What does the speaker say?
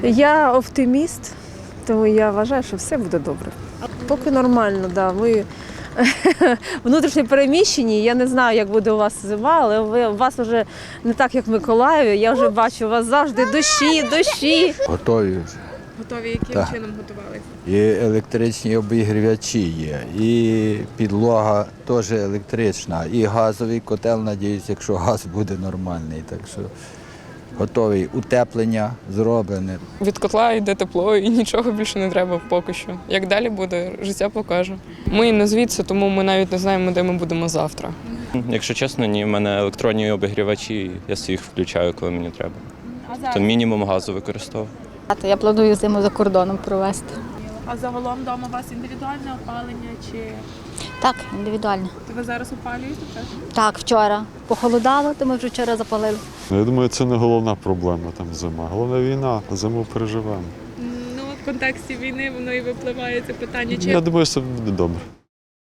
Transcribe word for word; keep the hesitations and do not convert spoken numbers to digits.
Я оптиміст, тому я вважаю, що все буде добре. Поки нормально, да. Ви внутрішньо переміщені. Я не знаю, як буде у вас зима, але ви, у вас вже не так, як в Миколаєві. Я вже бачу, у вас завжди дощі, дощі. Готові. Готові яким Так. чином готувалися? І електричні обігрівачі є, і підлога теж електрична, і газовий котел, надіюсь, якщо газ буде нормальний. Так що готовий. Утеплення зроблене. Від котла йде тепло і нічого більше не треба поки що. Як далі буде, життя покаже. Ми не звідси, тому ми навіть не знаємо, де ми будемо завтра. Якщо чесно, ні, в мене електронні обігрівачі, я їх включаю, коли мені треба. А зараз? То мінімум газу використовую. Я планую зиму за кордоном провести. А загалом вдома у вас індивідуальне опалення чи Так, індивідуально. то ви зараз опалюєте? Так? Так, вчора похолодало, то ми вже вчора запалили. Ну, я думаю, це не головна проблема там зима. Головна війна, зиму переживемо. Ну, в контексті війни воно і випливає це питання. Чи Я думаю, все буде добре.